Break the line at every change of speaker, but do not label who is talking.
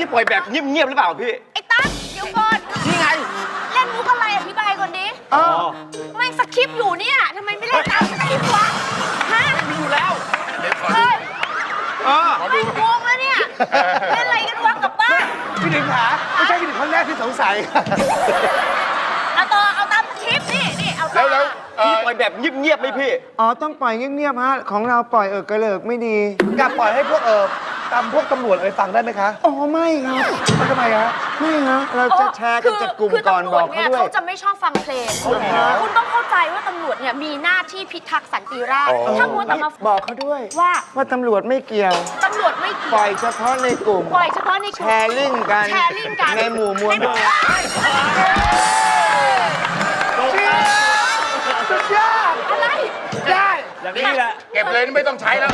พี่ปล่อยแบบเงียบๆหรือเปล่าพี่
ไอ้ตั้งเดี๋ยวก่อน
นี่ไง
เล่นมุกอะไรอธิบายก่อนดิ
อ๋อ
แม่งสคริปต์อยู่เนี่ยทำไมไม่เล่นตามสคริปต์วะฮะ
มีอยู่แล้ว
เฮ้ย
เออ
ไม่งงแล้วเนี่ยเล่นอะไรกันวะกลับบ้าน
พี่หนิงขาไม่ใช่พี่หนิงคนแรกที่สงสัย
เอาต่อเอาตามสคริปต์นี่เอาต่อ
แล้ว
พี่ปล่อยแบบเงียบๆไหมพี่
อ๋อ ต้องปล่อยเงียบๆฮะ ของเราปล่อยกระเลิกไม่ดี
อยากปล่อยให้พวกตามพวกตำรวจอะไรฟังได้ไหมคะ
อ๋อ ไม่ครับ
แล้วทำไมฮะ
ไม่ฮะ เราจะแชร์กันจากกลุ่ม
คือ
ก่อน
ตำร
บ
ว
อ
จ
ก
เนี่
เขา
ย
ด้วย
เขาจะไม่ชอบฟังเพลงคุณต้องเข้าใจว่าตำรวจเนี่ยมีหน้าที่พิทักษ์สันติราษฎร์ถ้ามัวแต่มา
บอกเขาด้วย
ว่า
ว่าตำรวจไม่เกี่ยว
ตำรวจไม่เกี่
ป
ยว
ล่อยเฉพาะในกลุ่ม
ปล่อยเฉพาะในก
แช
ลุ่ม
ร์ลิงก์กัน
แชร์ลิงก์กัน
ในหมู่มวล
อะไร
ได้
อย่างนี้แหละ
เก็บเลยไม่ต้องใช้แล้ว